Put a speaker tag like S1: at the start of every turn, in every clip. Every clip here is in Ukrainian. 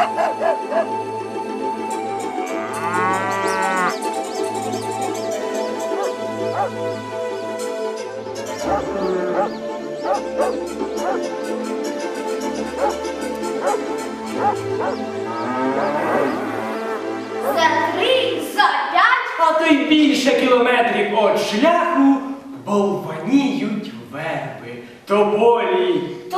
S1: За 3, за 5.
S2: А то й більше кілометрів от шляху бовваніють верби, тополі, то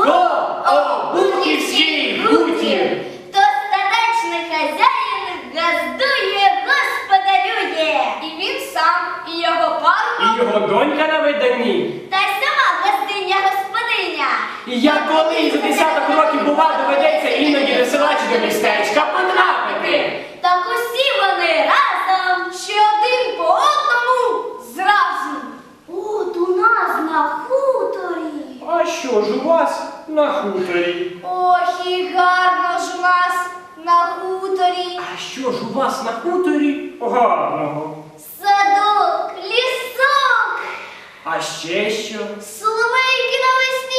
S2: обухівський гутір.
S1: То статечний хазяїн газдує, господарює. І він сам, і його парубок,
S2: І його донька на виданні.
S1: та й сама газдиня-господиня.
S2: І як колись за десяток років, бува, доведеться іноді до села чи до містечка потрапити.
S1: Так усі вони разом, чи один по одному зразу. От у нас на хуторі.
S2: А що ж у вас на хуторі?
S1: Ох, і гарно ж у нас на хуторі.
S2: А що ж у вас на хуторі гарного?
S1: Садок, лісок,
S2: А ще що?
S1: соловейки навесні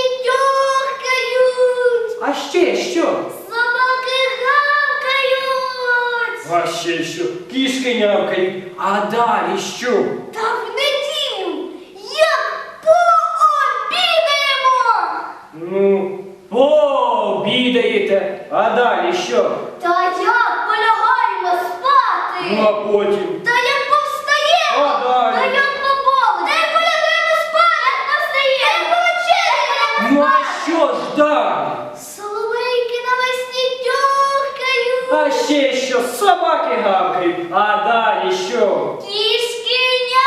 S1: тьохкають,
S2: А ще що?
S1: собаки гавкають.
S2: А ще що? Кішки нявкають. А далі що?
S1: Та в неділю, як пообідаємо.
S2: Ну, пообідаєте. А далі що?
S1: Та як полягаємо спати.
S2: Ну, а потім?
S1: Та як повстаємо.
S2: А далі?
S1: Та як поболить. Та як полягаємо спати. Як повстаємо. Як повечеряємо.
S2: Ну, а що ж далі?
S1: Соловейки навесні тьохкають.
S2: А ще що? Собаки гавкають. А далі що?
S1: Кішки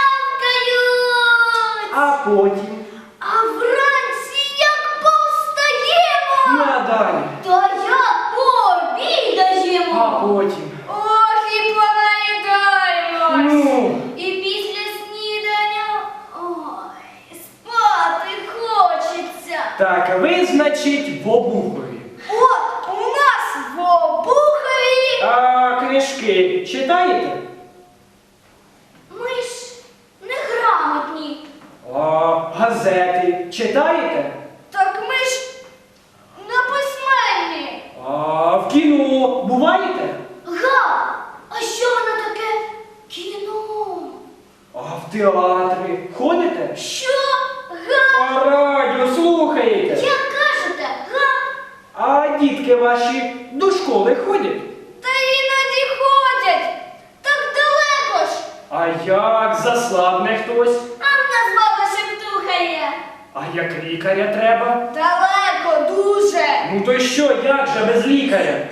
S1: нявкають.
S2: А потім?
S1: А вранці як повстаємо.
S2: Ну, а далі?
S1: Та як пообідаємо.
S2: А потім?
S1: Ох, і понаїдаємось.
S2: Ну?
S1: І після снідання, ой, спати хочеться.
S2: Так, ви, значить, в Обухові.
S1: От у нас в Обухові.
S2: А книжки читаєте?
S1: Ми ж неграмотні.
S2: А газети читаєте?
S1: Так ми ж неписьменні.
S2: А в кіно буваєте?
S1: Га, а що воно таке кіно?
S2: А в театри ходите?
S1: Що? Га?
S2: А радіо слухаєте?
S1: Як кажете, га?
S2: А дітки ваші до школи ходять?
S1: Та іноді ходять. Так далеко ж.
S2: А як заслабне хтось?
S1: А в нас баба шептухає.
S2: А як лікаря треба?
S1: Далеко дуже.
S2: Ну то й що, як же без лікаря?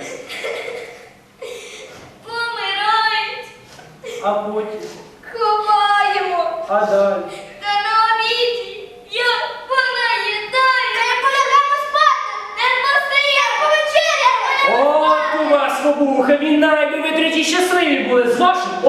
S1: Помирають.
S2: А потім?
S1: Ховаємо.
S2: А далі?
S1: Та на обіді як понаїдаю. Та як полягаємо спати. Не постає повечеряємо.
S2: От у вас в Обухові найби ви треті щасливі були з вашим